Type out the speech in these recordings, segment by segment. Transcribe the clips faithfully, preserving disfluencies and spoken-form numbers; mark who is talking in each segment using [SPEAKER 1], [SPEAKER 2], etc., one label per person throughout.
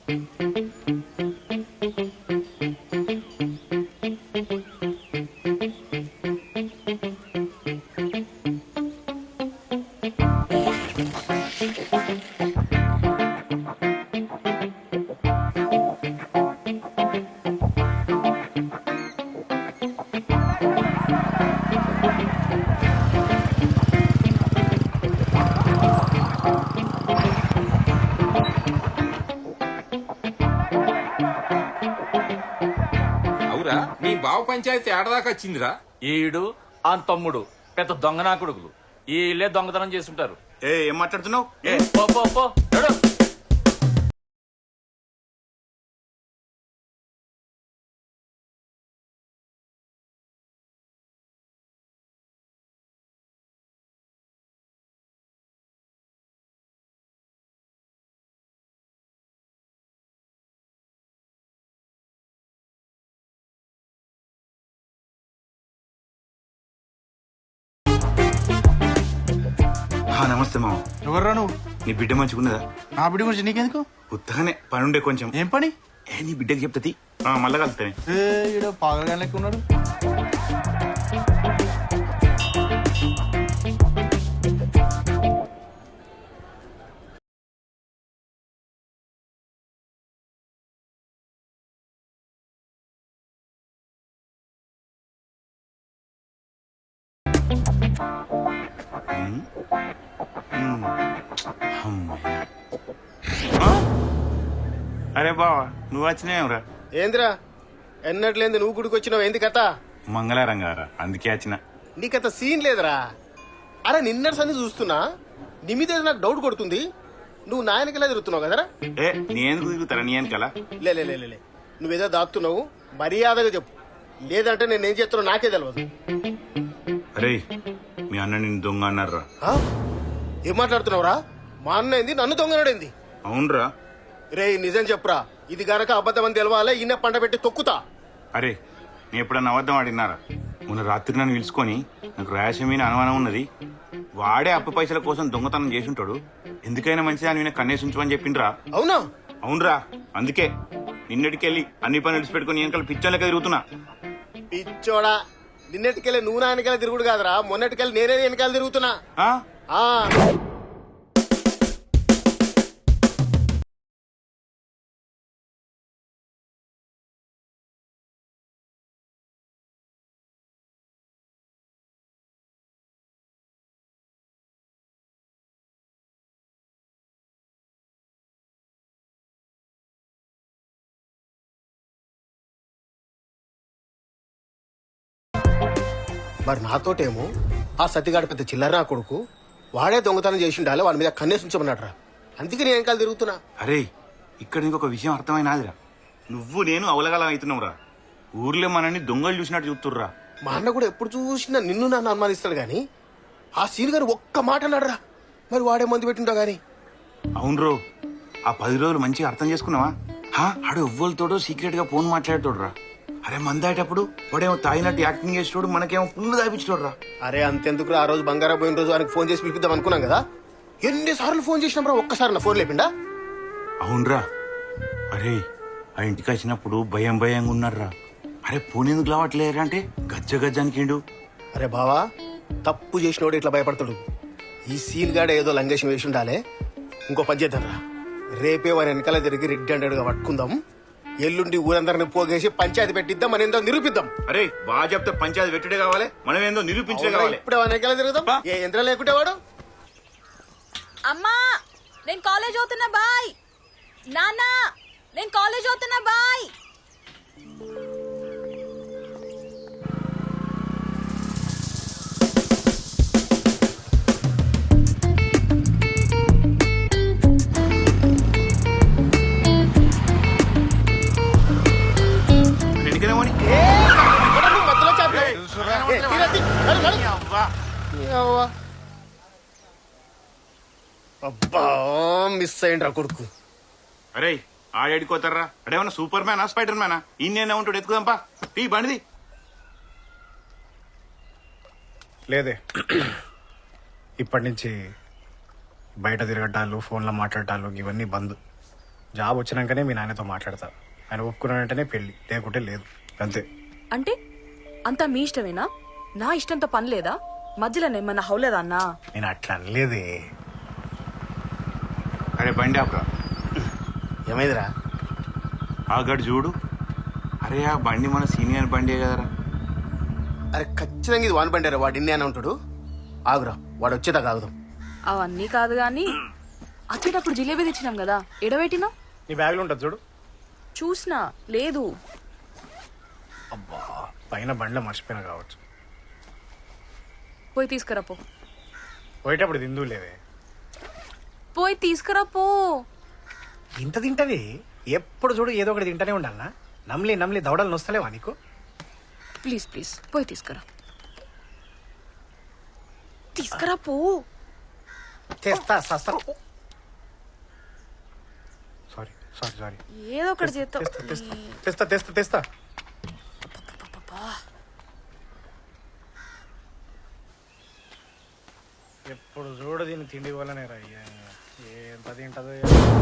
[SPEAKER 1] నీ బావ పంచాయతీ ఏడదాకా వచ్చిందిరా?
[SPEAKER 2] ఈడు ఆ తమ్ముడు పెద్ద దొంగనా కొడుకులు. ఈ ఇల్లే దొంగతనం చేస్తుంటారు.
[SPEAKER 3] ఏ ఏం మాట్లాడుతున్నావు?
[SPEAKER 2] ఏ పో పో పో నడు.
[SPEAKER 3] నమస్తే మామ.
[SPEAKER 4] ఎవర్రా నువ్వు?
[SPEAKER 3] నీ బిడ్డ మంచిగున్నదా?
[SPEAKER 4] నా బిడ్డ గురించి నీకెందుకు?
[SPEAKER 3] ఉత్తగానే పని ఉండే కొంచెం.
[SPEAKER 4] ఏం పని?
[SPEAKER 3] ఏ నీ బిడ్డకి చెప్తుంది మళ్ళా కలుతానే.
[SPEAKER 4] పాగలగా లెక్క ఉన్నాడు.
[SPEAKER 3] అరే బావా నువ్వు వచ్చినావురా?
[SPEAKER 5] ఏందిరా ఎన్నట్లేంది నువ్వు గుడికి వచ్చినావు? ఏంది కథ?
[SPEAKER 3] మంగళారం గారా అందుకే వచ్చిన.
[SPEAKER 5] నీకత సీన్ లేదురా. అరే నిన్నటి సంది చూస్తున్నా నీ మీద ఏదో నాకు డౌట్ కొడుతుంది. నువ్వు నా వెనకలా తిరుగుతున్నావు కదరా?
[SPEAKER 3] ఏ నీ ఎందుకు తిరుగుతారా? నీ వెనకాల
[SPEAKER 5] లే లే, లే, లే. నువ్వేదో దాక్కుతున్నావు, మర్యాదగా చెప్పు. లేదంటే నేనేం చేస్తున్నా నాకే తెలియదు.
[SPEAKER 3] అరే మీ అన్న నిన్ను దొంగ అన్నారా?
[SPEAKER 5] ఆ? ఏం మాట్లాడుతున్నావురా? మా అన్న ఏంది నన్ను దొంగనాడేంది?
[SPEAKER 3] అవునరా.
[SPEAKER 5] రే నిజం చెప్పురా. ఇది గనక అబద్ధం అని తెలవాలే ఇన్న పంట పెట్టి తొక్కుతా.
[SPEAKER 3] అరే నేను ఎప్పుడన్నా అబద్ధం ఆడినారా? మొన్న రాత్రి నన్ను పిలుచుకొని నాకు ర్యాష్ మీద అనుమానం ఉన్నది, వాడే అప్పు పైసల కోసం దొంగతనం చేసి ఉంటాడు, ఎందుకైనా మంచిది అని నేను కన్నేసి ఉంచమని చెప్పిండ్రా.
[SPEAKER 5] అవునా?
[SPEAKER 3] అవునరా. అందుకే నిన్నటికెళ్ళి అన్ని పనులు విడిచిపెట్టుకుని వెనకాల పిచ్చోన్ లెక్క తిరుగుతున్నా.
[SPEAKER 5] పిచ్చోడా, నిన్నటికెళ్ళి నువ్వు నా వెనకాల తిరుగుడు కాదురా, మొన్నటికెళ్ళి నేనే వెనకాల తిరుగుతున్నా.
[SPEAKER 3] ఆ?
[SPEAKER 5] ఆ మరి నాతోటేమో ఆ సతిగాడు పెద్ద చిల్లర నా కొడుకు, వాడే దొంగతనం చేసి ఉండాలి, వాడి మీద కన్నేసి ఉంచమన్నాడు. అందుకే నేను వెనకాల తిరుగుతున్నా.
[SPEAKER 3] అరే ఇక్కడ నీకు ఒక విషయం అర్థమైనాదిరా. నువ్వు నేను అవలగలం అవుతున్నావురా. ఊర్లో మనల్ని దొంగలు చూసినట్టు చూస్తుర్రా.
[SPEAKER 5] మా అన్న కూడా ఎప్పుడు చూసినా నిన్ను నన్ను అనుమానిస్తాడు గాని ఆ సీన్ గారు ఒక్క మాట అన్నాడురా. మరి వాడే మందు పెట్టింటా గాని.
[SPEAKER 3] అవునరో, ఆ పది రోజులు మంచిగా అర్థం చేసుకున్నావా? ఆడు ఎవ్వరితోడో సీక్రెట్ గా ఫోన్ మాట్లాడేటోడురా. అరే మందాయేటప్పుడు వాడేమో తాగినట్టు యాక్టింగ్ చేసేటోడు, మనకేమో పుల్లు తాపించోడురా.
[SPEAKER 5] అరే అంతెందుకు, ఆ రోజు బంగారా పోయిన రోజు ఆయనకు ఫోన్ చేసి పిలిపిద్దాం అనుకున్నాం కదా. ఎన్నిసార్లు ఫోన్ చేసినాం రా, ఒక్కసారి నా ఫోన్ లేపిండా?
[SPEAKER 3] అవునరా. అరే ఆ ఇంటికి వచ్చినప్పుడు భయం భయంగా ఉన్నారా. అరే ఫోన్ ఎందుకు లావట్లేరా అంటే గజ్జ గజ్జానికిండు.
[SPEAKER 5] అరే బావా, తప్పు చేసినోడు ఇట్లా భయపడతాడు. ఈ సీన్ గాడ ఏదో లంగేషం వేసి ఉండాలే. ఇంకో పని చేద్దాం రా, రేపే వారి వెనకాల తిరిగి రెడ్ హండ్రెడ్ గా పట్టుకుందాం. ఎల్లుండి ఊరందరిని పోగేసి పంచాయతీ పెట్టిద్దాం, మన ఏందో నిరూపిద్దాం.
[SPEAKER 3] అరే బాగా చెప్తే పంచాయతీ పెట్టుడే కావాలి, మనం ఏందో నిరూపించడే కావాలి.
[SPEAKER 5] ఇప్పుడు వెనకాల తిరుగుదాం. ఏ యంత్రం లేకుంటే వాడు.
[SPEAKER 6] అమ్మా నేను కాలేజ్ అవుతున్నా బాయ్. నాన్న నేను కాలేజ్ అవుతున్నా బాయ్.
[SPEAKER 5] అబ్బా మిస్ అయ్యిండ్రా కొడుకు.
[SPEAKER 3] అరే ఆడేడుకోతారా? అడేమన్నా సూపర్ మ్యానా స్పైడర్ మ్యానా? ఇన్నేనా ఉంటాడు, ఎత్తుకుదాంపా. టీ బండిది
[SPEAKER 4] లేదే. ఇప్పటి నుంచి బయట తిరగటాలు, ఫోన్లో మాట్లాడటాలు ఇవన్నీ బంద్. జాబ్ వచ్చినాకనే మీ నాన్నతో మాట్లాడతా. ఆయన ఒప్పుకున్న వెంటనే పెళ్ళి, లేకుంటే లేదు, అంతే.
[SPEAKER 6] అంటే అంతా మీ ఇష్టమేనా? నా ఇష్టంతో పని లేదా? మధ్యలో ఏమన్నా హౌలేదా అన్నా?
[SPEAKER 4] నేను అట్లా అనలేదే.
[SPEAKER 3] అరే బండి ఆపరా.
[SPEAKER 5] ఏమైందిరా?
[SPEAKER 3] ఆ గడు చూడు. అరే ఆ బండి మన సీనియర్ బండి కదరా.
[SPEAKER 5] అరే ఖచ్చితంగా ఇది వాన్ బండారా, వాడు ఇన్ని అని ఉంటాడు. ఆగురా, వాడు వచ్చేదా కాగుదాం.
[SPEAKER 6] అవన్నీ కాదు గాని వచ్చేటప్పుడు జిలేబీ తెచ్చినాం కదా, ఎడబెట్టినా?
[SPEAKER 4] నీ బ్యాగ్లో ఉంటుంది చూడు.
[SPEAKER 6] చూసినా లేదు.
[SPEAKER 4] అబ్బా, పైన బండ్లో మర్చిపోయినా కావచ్చు.
[SPEAKER 6] పోయి తీసుకురా పో.
[SPEAKER 4] పోయేటప్పుడు తిందు లేదే.
[SPEAKER 6] పోయి తీసుకురా పో.
[SPEAKER 4] ఇంత తింటది, ఎప్పుడు చూడు ఏదో ఒకటి తింటనే ఉండాలనా? నమ్లి నమ్లి దవడలు నొస్తలేవా నీకు?
[SPEAKER 6] ప్లీజ్ ప్లీజ్ పోయి తీసుకురా. తీసుకురా పో.
[SPEAKER 4] తెస్తా సస్తా. Sorry sorry sorry.
[SPEAKER 6] ఏదో ఒకటి చేస్తావు.
[SPEAKER 4] తెస్తా తెస్తా తెస్తా తెస్తా తెస్తా. ఎప్పుడు చూడు దీన్ని తిండి వల్లనే రా. ఎంత తింటదో.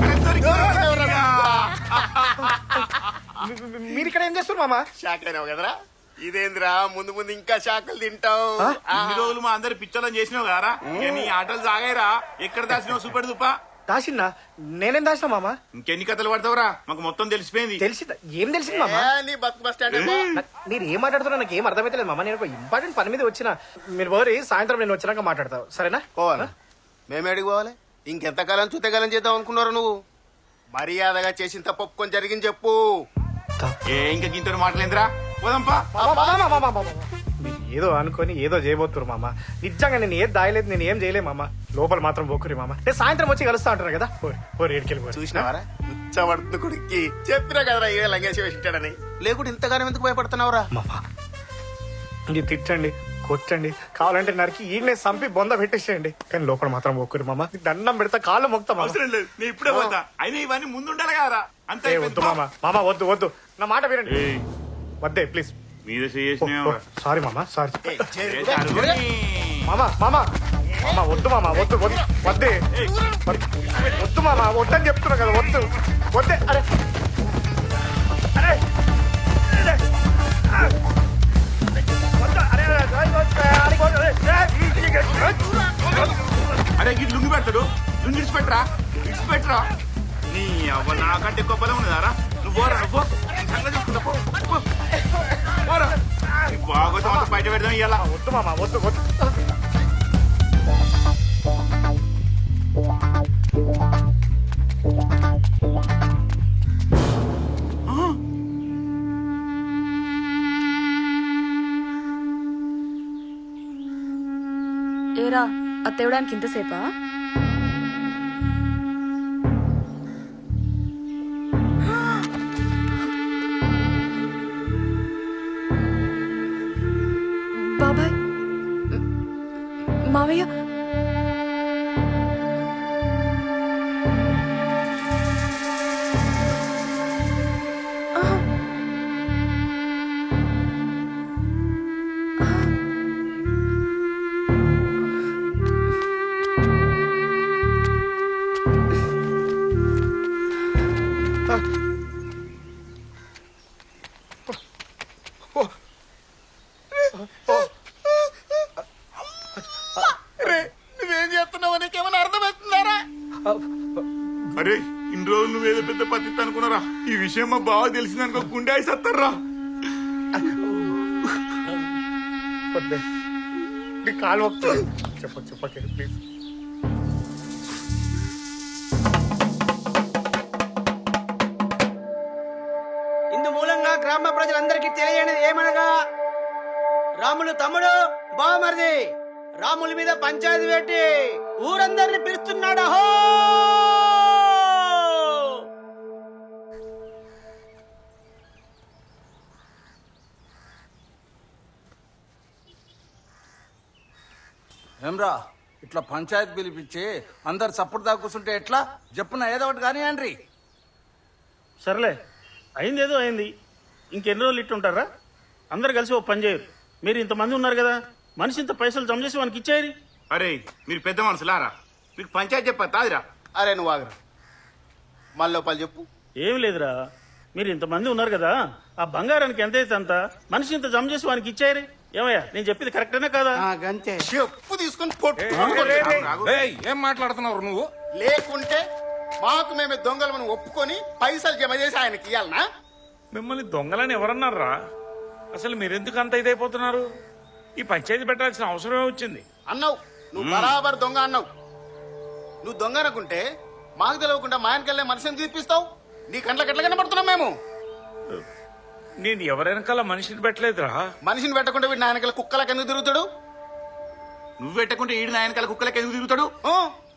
[SPEAKER 4] మీరు ఇక్కడ ఏం చేస్తారు మామ?
[SPEAKER 5] షాక్ అయినావు కదరా? ఇదేంద్రా, ముందు ముందు ఇంకా షాకులు తింటావు.
[SPEAKER 3] ఇన్ని రోజులు మా అందరు పిచ్చోళ్ళని చేసినావు కదరా. ఇక నీ ఆటలు సాగాయిరా. ఎక్కడ దాచినావు సూపెడు దుప్ప?
[SPEAKER 4] దాసిన్నా? నేనేం దాసినా మామ?
[SPEAKER 3] ఇంకెన్ని కథలు పడతావురా? మాకు మొత్తం తెలిసిపోయింది.
[SPEAKER 4] తెలిసిందా? ఏం తెలిసింది మామ?
[SPEAKER 5] ఏ, నీ బస్ బస్ స్టాండ్ ఏమో.
[SPEAKER 4] నా- మీరు ఏం మాట్లాడుతున్నా నాకు ఏం అర్థమైతలేదు మామ. నేను ఒక ఇంపార్టెంట్ పని మీద వచ్చిన. మీరు పోరి, సాయంత్రం నేను వచ్చినాక మాట్లాడతావు, సరేనా?
[SPEAKER 5] పోవాలా? మేమే అడిగి పోవాలి. ఇంకెంతకాలం చూతకాలం చేద్దాం అనుకున్నారు నువ్వు? మర్యాదగా చేసిన తప్పు ఒప్పుకొని జరిగింది చెప్పు.
[SPEAKER 3] ఏ ఇంకా గింతడు మాటలేందిరా? పోదాంపా.
[SPEAKER 4] మామ, మామ, మామ, మామ, మామ. మీరు ఏదో అనుకొని ఏదో చేయబోతున్నారు మామ. నిజంగా నేను ఏది దాయలేదు, నేను ఏం చేయలేదు మామ. లోపల మాత్రం పోకురి మామ. నేను సాయంత్రం వచ్చి కలుస్తా అంటారు కదా. పోరి ఏడికెళ్ళి
[SPEAKER 5] చూసినావారా ఉచ్చబడుతుంది కొడుక్కి? చెప్పినా కదరా ఏ లంగేసి వేసింటాడని. లేకుంటే ఇంతగానం ఎందుకు భయపడుతున్నావురా?
[SPEAKER 4] మామ ఇది తిట్టండి, కొట్టండి, కావాలంటే నరికి ఈయనే సంపి బొంద పెట్టేసేయండి, కానీ లోపల మాత్రం పోకురి మామ. నీకు దండం పెడతా, కాళ్ళు మొక్తా మామ.
[SPEAKER 3] అవసరం లేదు, నేను ఇప్పుడే పోతా. అయినా ఇవన్నీ ముందు ఉండాలి కదరా. అంతే
[SPEAKER 4] ఏ వద్దు మామ, మామ వద్దు వద్దు, నా మాట వినండి. వద్దే ప్లీజ్.
[SPEAKER 3] మీద చేసిన
[SPEAKER 4] సారీ మామ, సారీ
[SPEAKER 5] ఏ, చేరు.
[SPEAKER 4] మామ. మామ మామ వద్దు మామ, వద్దు వద్దు, వద్దే వద్దు మామ, వద్దని చెప్తున్నా కదా, వద్దు వద్దే. అరే అరే అరే, ఆ. వద్దు, అరే, అరే, అరే, అరే, అరే, అరే.
[SPEAKER 3] అరే గిట్ లుంగి పెడతాడు. లుంగి ఇడిచిపెట్టరా, ఇడిచిపెట్టరా. నీ అవ్వ నాకంటే ఎక్కువ బలం ఉన్నదారా? నువ్వు పోరా, నువ్వు సంగతి చూసుకుంటా పో. పో. పోరా. నీ బాగోతం అంతా బయట పెడదాం ఇయ్యాల.
[SPEAKER 4] వద్దు మామ, వద్దు వద్దు.
[SPEAKER 6] ఏరా అత్తేవడానికి ఇంతసేపా? బాబాయ్, మావయ్య,
[SPEAKER 5] నువ్వేం చేస్తున్నావు నీకేమైనా అర్థమవుతుందారా?
[SPEAKER 3] అరే ఇన్ని రోజులు నువ్వేదో పెద్ద పద్ధతి అనుకున్నారా? ఈ విషయం మా బావ తెలిసిందనుకో గుండె అయిసత్తారా.
[SPEAKER 4] వద్దే, నీ కాలు మొక్తా. చెప్ప చెప్పకే ప్లీజ్.
[SPEAKER 7] ఇందు మూలంగా గ్రామ ప్రజలందరికీ తెలియనిది ఏమనగా, రాములు తమ్ముడు బావమరిది రాముల మీద పంచాయతీ పెట్టి ఊరందరిని పిలుస్తున్నాడు. అహో!
[SPEAKER 8] ఏమ్రా, ఇట్లా పంచాయతీ పిలిపించి అందరు సప్పుడు దాకా కూర్చుంటే ఎట్లా? చెప్పున ఏదో ఒకటి కానీ అండ్రి.
[SPEAKER 9] సర్లే, అయింది ఏదో అయింది. ఇంకెన్ని రోజులు ఇట్టుంటారా? అందరు కలిసి ఓ పని చేయరు. మీరు ఇంతమంది ఉన్నారు కదా, మనిషి ఇంత పైసలు జమ చేసి వానికి ఇచ్చేయరి.
[SPEAKER 3] అరే మీరు పెద్ద మనుషులారా, మీకు పంచాయతీ చెప్పా తాదిరా.
[SPEAKER 5] అరే నువ్వు ఆగరా. మళ్ళీ లోపల చెప్పు.
[SPEAKER 9] ఏం లేదురా, మీరు ఇంతమంది ఉన్నారు కదా, ఆ బంగారానికి ఎంత అయితే అంత మనిషి ఇంత జమ చేసి వానికి ఇచ్చారు. ఏమయ్యా నేను చెప్పింది కరెక్టేనా కాదా?
[SPEAKER 7] గంతే.
[SPEAKER 5] చెప్పు తీసుకొని కొట్టు.
[SPEAKER 1] ఏయ్, ఏం మాట్లాడుతున్నావు నువ్వు?
[SPEAKER 5] లేకుంటే మాకు మేమే దొంగలు ఒప్పుకొని పైసలు జమ చేసి ఆయనకి ఇవ్వాలనా?
[SPEAKER 10] మిమ్మల్ని దొంగలని ఎవరన్నారా? అసలు మీరెందుకు అంత ఇదైపోతున్నారు? ఈ పంచాయతీ పెట్టాల్సిన అవసరమే వచ్చింది.
[SPEAKER 5] అన్నావు, నువ్వు బరాబర్ దొంగ అన్నావు. నువ్వు దొంగ అనుకుంటే మాకు తెలియకుండా మా ఆయనకెళ్ళే మనిషిని తీపిస్తావు. నీ కంట్లకి ఎట్లా కనబడుతున్నాం మేము?
[SPEAKER 10] నేను ఎవరెనకాల మనిషిని పెట్టలేదురా.
[SPEAKER 5] మనిషిని పెట్టకుండా వీడు నా వెనకాల కుక్కలకి ఎందుకు తిరుగుతాడు?
[SPEAKER 3] నువ్వు పెట్టకుంటే ఈడు నాయనకాల కుక్కలకి ఎందుకు తిరుగుతాడు?
[SPEAKER 5] ఆ,